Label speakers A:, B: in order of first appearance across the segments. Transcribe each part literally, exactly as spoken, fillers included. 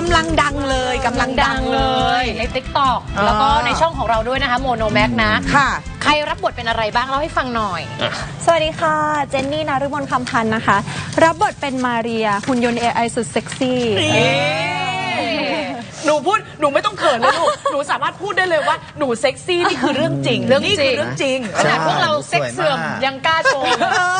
A: ำลังดังเลยกำลังดังเลย
B: ใน ติ๊กต็อก แล้วก็ในช่องของเราด้วยนะคะโมโนแม็กนะ
A: ค่ะ
B: ใครรับบทเป็นอะไรบ้างเล่าให้ฟังหน่อย
C: สวัสดีค่ะเจนนี่นฤมลคำพันธ์นะคะรับบทเป็นมาเรียหุ่นยนต์ เอ ไอ สุดเซ็กซี่
A: หนูพูดหนูไม่ต้องเขินเลยลูกหนูสามารถพูดได้เลยว่าหนูเซ็กซี่นี่คือเรื่องจริง
B: เรื่องจริง
A: เรื่องจริง
B: ขนาดพวกเราเซ็กเสื่อมยังกล้าโชว์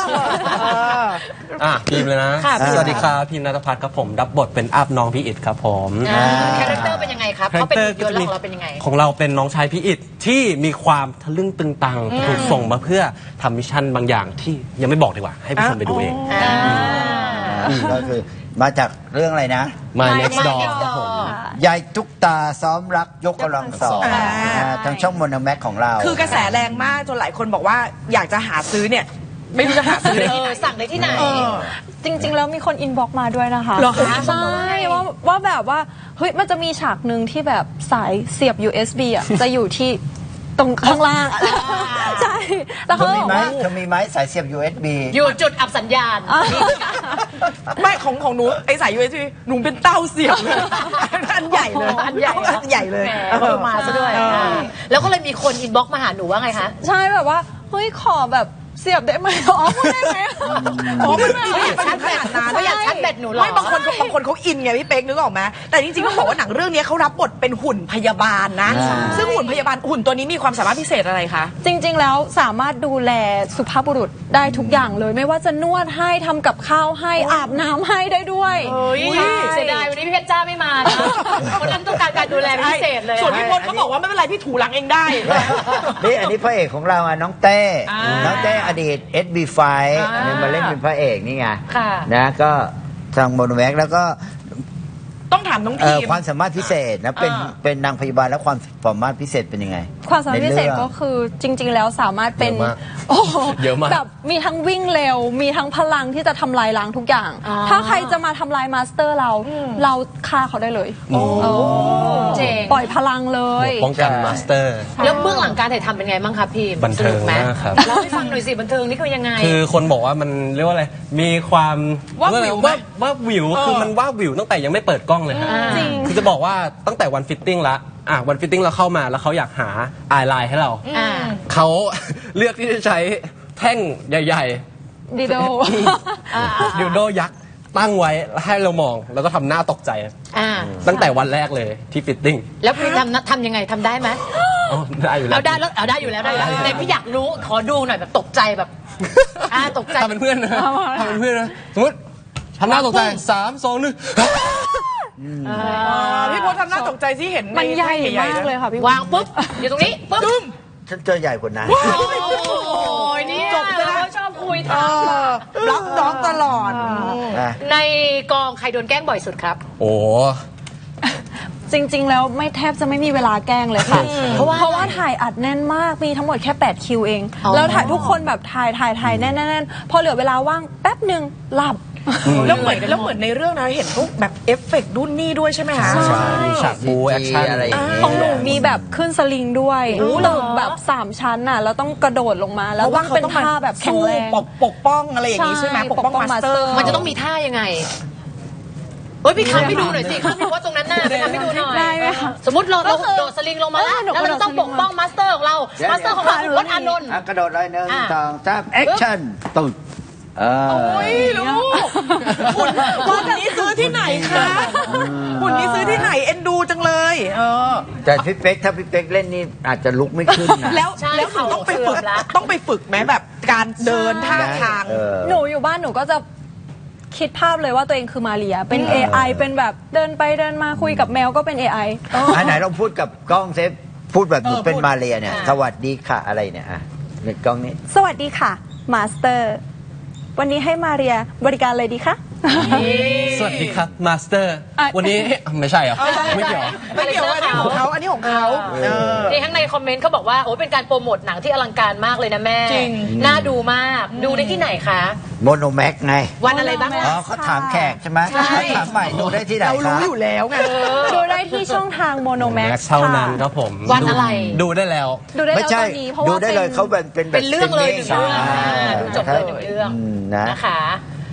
D: อ่ะพิมพ์เลยนะสวัสดีครับพิมพ์ณัฐพัฒน์ครับผมรับบทเป็นอัพน้องพี่อิดครับผม
B: คาแรคเตอร์เป็นยังไงครับเขาเป็นหุ่นยนต์ของเราเป็นยังไง
D: ของเราเป็นน้องชายพี่อิดที่มีความทะลึ่งตึงตังถูกส่งมาเพื่อทำมิชชั่นบางอย่างที่ยังไม่บอกดีกว่าให้ผู้ชมไปดูเอง
E: ก็คือมาจากเรื่องอะไรนะ
D: My Next Door ครับผม
E: ยายตุ๊กตาซ้อมรักยกกำลังสองทางช่องโมโนแม็กของเรา
A: คือกระแสแรงมากจนหลายคนบอกว่าอยากจะหาซื้อเนี่ยไม่รู้จะหาซื้อได้ที่ไหน
B: สั่งได้ที่ไหน
C: จริงๆแล้วมีคนอินบ็อกมาด้วยนะคะ
A: เหรอคะ
C: ใช่ว่าว่าแบบว่าเฮ้ยมันจะมีฉากหนึ่งที่แบบสายเสียบ ยู เอส บี อ่ะจะอยู่ที่ตรงข้างล่างใช่
E: แล้วเขาบอกว่าเธอมีไหมสายเสียบ ยู เอส บี
B: อยู่จุดอับสัญญาณ
A: ไม่ของของหนูไอสาย ยู เอส บี หนูเป็นเต้าเสียบเลยอันใหญ่เลย
B: อันใหญ่
A: อันใหญ่เลย
B: เออมาซะด้วยแล้วก็เลยมีคนอินบ็อกมาหาหนูว่าไงคะ
C: ใช่แบบว่าเฮ้ยขอแบบเสียบได้ไหมอ๋อพูดได้ไหม
A: อ๋อไม่ไม่อยากชัดขนาดนั้น
B: เขาอยากชัดแบตหนูหรอ
A: ไม่บางคนบางคนเขาอินไงพี่เป๊กนึกออกไหมแต่จริงๆต้องบอกว่าหนังเรื่องนี้เขารับบทเป็นหุ่นพยาบาลนะซึ่งหุ่นพยาบาลหุ่นตัวนี้มีความสามารถพิเศษอะไรคะ
C: จริงๆแล้วสามารถดูแลสุภาพบุรุษได้ทุกอย่างเลยไม่ว่าจะนวดให้ทำกับข้าวให้อาบน้ำให้ได้ด้วย
B: เสียดายวันนี้พี่เพชรจ้าไม่มาคนนั้นต้องการการดูแลพิเศษเลย
A: ส่วนพี่พลเขาบอกว่าไม่เป็นไรพี่ถูหลังเองได้
E: นี่อันนี้พระเอกของเราอ่ะน้องเต้น้องเต้อดีต เอส บี ไฟ เนี่ยมาเล่นเป็นพระเอกนี่ไงนะก็ทางโมโนแม็กแล้วก็
A: ต้องถามน้องทีม
E: ความสามารถพิเศษนะเป็นเป็นนางพยาบาลแล้วความสามารถพิเศษเป็นยังไง
C: ความสามารถพิเศษก็คือจริงๆแล้วสามารถเป็น
D: โอ้เยอะมาก
C: แบบมีทั้งวิ่งเร็วมีทั้งพลังที่จะทำลายล้างทุกอย่างถ้าใครจะมาทำลายมาสเตอร์เราเราฆ่าเขาได้เลย
B: เจ๋ง
C: ปล่อยพลังเลย
D: ป้องกันมาสเตอร์
B: แล้วเบื้องหลังการถ่ายทำเป็นไงบ้างครับพี่
D: บันเทิงมากครับ
B: เล่าให้ฟังหน่อยสิบันเทิงนี่คือยังไง
D: คือคนบอกว่ามันเรียกว่าอะไรมีความ
A: ว่าวิว
D: ว่าวิวคือมันว่าวิวตั้งแต่ยังไม่เปิดกล้องเลยฮะคือจะบอกว่าตั้งแต่วันฟิตติ้งละอ่ะวันฟิตติ้งเราเข้ามาแล้วเขาอยากหาอายไลน์ให้เราเขาเลือกที่จะใช้แท่งใหญ่
C: ๆดิโด
D: ดิโดยักษ์ตั้งไว้ให้เรามองแล้วก็ทำหน้าตกใจตั้งแต่วันแรกเลยที่ฟิตติ้ง
B: แล้วพี่ทำทำยังไงทำได้ไหม
D: ได้อยู่แล้ว
B: เอาได้แล้วเอาได้อยู่แล้วได้แต่พี่อยากรู้ขอดูหน่อยแบบตกใจแบบอ่าตกใจ
D: ทำเป็นเพื่อนนะทำเป็นเพื่อนนะสมมติทำหน้าตกใจสามสองหนึ่ง
A: พี่พลทำหน้าตกใจที่เห็น
C: มันใหญ่มากเลยค่ะพี่
B: วางปุ๊บอยู่ตรงนี้ปุ๊บ
E: ฉันเจอใหญ่กว่านั้น
B: โอ้ยนี่จบแล้วชอบคุยทัก
A: รับน้องตลอด
B: ในกองใครโดนแกล้งบ่อยสุดครับ
D: โอ้
C: จริงๆแล้วไม่แทบจะไม่มีเวลาแกล้งเลยค่ะเพราะว่าเพราะว่าถ่ายอัดแน่นมากมีทั้งหมดแค่แปดคิวเองแล้วถ่ายทุกคนแบบถ่ายถ่ายถ่ายแน่นๆพอเหลือเวลาว่างแป๊บหนึ่งหลับ
A: แล้วเหมือนแล้วเหมือนในเรื่องนะเห็นพวกแบบเอฟเฟกต์รุ่นนี่ด้วยใช่ไหมคะ
D: ใช่ฉากบูแอคชั่นอะไรอย่างเงี้ย
C: ของหนูมีแบบขึ้นสลิงด้วยตึกแบบสามชั้นน่ะแล้วต้องกระโดดลงมาแล้วว่าเป็นท่าแบบแข็งแรง
A: ปกป้องอะไรอย่างนี้ใช่ไหมปกป้องมาสเตอร์
B: มันจะต้องมีท่ายังไงเฮ้ยพี่ทำให้ดูหน่อยสิพี่ว่าตรงนั้นน่ะไปทำให้ดูหน่อย
C: ได้ไหมคะ
B: สมมติเราเราโดดสลิงลงมาแล้วแล้วเราต้องปกป้องมาสเตอร์ของเรามาสเตอร์ของเราคือวัดอานนท์
E: กระโดดเลยหนึ่งสองสามแอคชั่นตึ๊ด
A: โอ้ยลูกหุ่นหุ่นนี้ซื้อที่ไหนคะหุ่นนี้ซื้อที่ไหนเอ็นดูจังเลยเออ
E: แต่พี่เป๊กถ้าพี่เป๊กเล่นนี่อาจจะลุกไม่ขึ้นนะ
A: แล้วแล้วหนูต้องไปฝึกต้องไปฝึกไหมแบบการเดินท่าทาง
C: หนูอยู่บ้านหนูก็จะคิดภาพเลยว่าตัวเองคือมาเรียเป็น เอ ไอ เป็นแบบเดินไปเดินมาคุยกับแมวก็เป็น เอ ไอ
E: อันไหนลองพูดกับกล้องเซฟพูดแบบหนูเป็นมาเรียเนี่ยสวัสดีค่ะอะไรเนี่ยอ่ะในกล้องนี้
C: สวัสดีค่ะมาสเตอร์วันนี้ให้มาเรียบริการเลยดีคะ
D: สวัสดีครับมาสเตอร์วันนี้ไม่ใช่เหรอไม่เกี่ยว
A: ไม่เกี่ยวอันนี้ของเขาอันนี้ของเขา
B: ที่ข้างในคอมเมนต์เขาบอกว่าโอ้เป็นการโปรโมทหนังที่อลังการมากเลยนะแม่จริงน่าดูมากดูได้ที่ไหนคะ
E: โมโนแม็กไง
B: วันอะไรบ้าง
E: อ๋อเขาถามแขกใช่ไหมเขาถามใหม่ดูได้ที่ไหน
A: เรารู้อยู่แล้วไง
C: ดูได้ที่ช่องทางโมโนแม็ก
D: เท่านั้นครับผม
B: วันอะไร
D: ดูได้แล้ว
C: ดูได้แล้วตอนนี้เพราะว่า
E: ดูได้เลยเขาเป็นเป็น
B: เป็นเรื่องเลยหนึ่งเรื่องดูจบเลยหนึ่งเรื่องนะคะ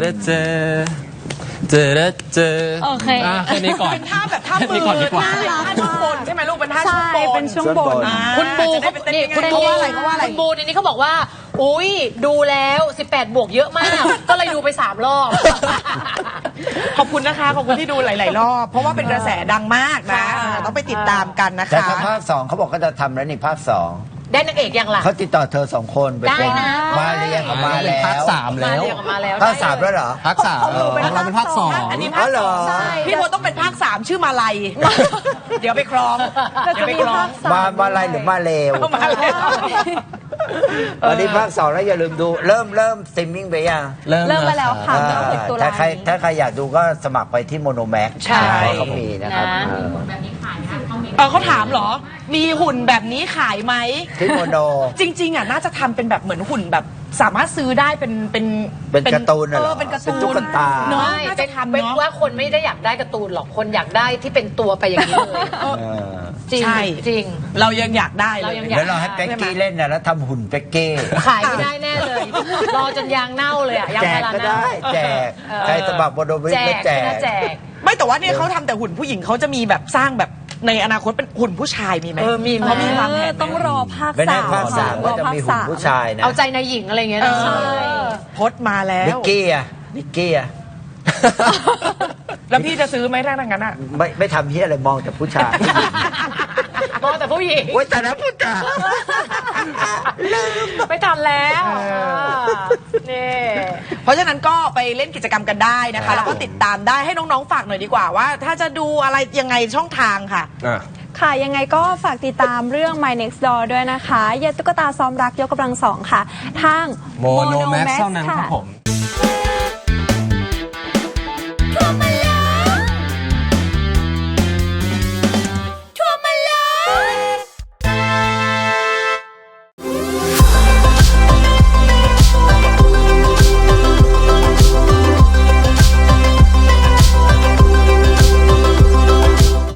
D: อเจอเจอเจอ
C: โอเค
D: อ่ะแค่นี้ก่อน
A: เป็นท่าแบบท่ามื
D: แค่นี้ก่อนดีกว่า
A: ท่าช่วงบนใช่ไหมลูกเป็นท่าช่ว
C: ใช่
A: งบน
C: เป็นช่วงบน
A: อ่า
B: คุณบู
A: จะได้
B: เขา
A: ไปเต้น
B: นี่
A: ง่ยๆ
B: คุณ
A: เขาว่าอะไรเขาว่าอะไร
B: คุณบูในนี้เขาบอกว่า อุ้ยดูแล้วสิบแปดบวกเยอะมาก ก็เลยดูไปสามรอบ
A: ขอบคุณนะคะ ขอบคุณที่ดูหลาย ๆ รอบ เพราะว่าเป็นกระแสดังมากนะ
B: ค่ะ
A: ต้องไปติดตามกันนะ
E: แต่
A: คะ
E: ถ้าภาคสองเขาบอกก็จะทำแล้วนี่ภาคสอง
B: ได้นางเอกยังล่ะ
E: เขาติดต่อเธอสองคนไป
B: ได้
E: เป็น
B: นะ
E: มาเรียกับมาแล้ว
D: ภาคสาม
B: มา
D: แล้ว
B: เรียกออกมาแล้ว
E: ภาคสามแล้วเหรอ
D: ภาคสามของเราเป็นภาคสอง
A: อันนี้
E: อ๋
A: ภา
E: อ
A: ค
E: เหร
A: ส
E: อ
A: องใช่พี่โบต้องเป็นภาคสามชื่อมาลัย เดี๋ยวไปครอง
C: แต่
A: เดี๋ยวไป
C: จะมี
A: ครอง
C: ภาคสาม
E: มามาอะไรหรือมาเลว
A: มาเลย
E: วันนี้ภาคสองแล้วอย่าลืมดู เริ่มเริ่มสตรีมมิ่งไปยัง
C: เริ่มมาแล้วค่ะ
E: อ่า
C: เริ่มหกตุลา
E: ถ้าใคร
C: นี้
E: ถ้าใครอยากดูก็สมัครไปที่โมโนแม็ก
A: ใช่
E: เขามีนะครับ
B: นะ
E: เออ
A: เออเขาถามเหรอ มีหุ่นแบบนี้ขายไหม
E: ที่โมโน
A: จริง ๆ อ่ะ น่าจะทำเป็นแบบเหมือนหุ่นแบบสามารถซื้อได้เป็นเป็น
E: เป็นการ์ตูนน่ะ
A: เอ
E: เหรอ
A: อเป็นการ์ตู
E: เป็นตุ๊กตา
A: เนาะ
B: ไม่
A: น่า
B: เป็
A: จะ
B: น
A: ทำ
B: เป็น
A: เนาะ
B: ว่าคนไม่ได้อยากได้การ์ตูนหรอก คนอยากได้ที่เป็นตัวไปอย่างนี้เลย
E: เออ
B: จริง
A: ใช่
B: จริง
A: เรายังอยากได้เล
B: เรา
A: ย
B: ยัง
E: แล้วเราให้เป็กกี้เล่นนะแล้วทำหุ่นเป็กกี้
B: ขายไม่ได้แน่เลย รอจนยางเน่าเลยอะยาง
E: แจ
B: พาก รา
E: ก็
B: เน่า
E: ได้แจก
B: เออ
E: ใครสมัครโมโนแม็ก
B: แจ
E: ก็
B: ก
E: แจ
B: ใช่ไหม
E: ก
B: แจก
A: ไม่แต่ว่าเนี่ยเขาทำแต่หุ่นผู้หญิงเขาจะมีแบบสร้างแบบในอนาคตเป็นหุ่นผู้ชายมีไหม
B: เออมีไหม
A: เขามีวางแผนไหม
C: ต้องรอภาค
E: ไม่แน่
C: สาม
E: ภาคสาม
C: ร
E: ก็
C: อ
E: จะ
C: ภาค
E: มีหุ่น
C: สาม
E: ผู้ชายนะ
B: เอาใจนายหญิงอะไรอย่างเงี้ยนะ
A: เออ พดมาแล้ว
E: นิกกี้อะนิกกี้อะ
A: แล้วพี่จะซื้อไหมถ้าอย่างนั้นอ่ะ
E: ไม่ไม่ทำเฮียอะไรมองแต่ผู้ชาย
B: มองแต่ผู้หญิง
E: โอ้ยแต่ละผู้ชาย
B: ไม่ทันแล้วนี่
A: เพราะฉะนั้นก็ไปเล่นกิจกรรมกันได้นะคะ แล้วก็ติดตามได้ให้น้องๆฝากหน่อยดีกว่าว่า ถ้าจะดูอะไรยังไงช่องทางค่ะ
D: อ่ะ
C: ค่ะ ยังไงก็ฝากติดตามเรื่อง My Next Door ด้วยนะคะยาตุ๊กตาซ้อมรักยกกำลังสองค่ะ ทาง
D: โมโนแม็ก
C: Monomax
D: เท่านั้นครับ
C: ค่ะ
D: ผม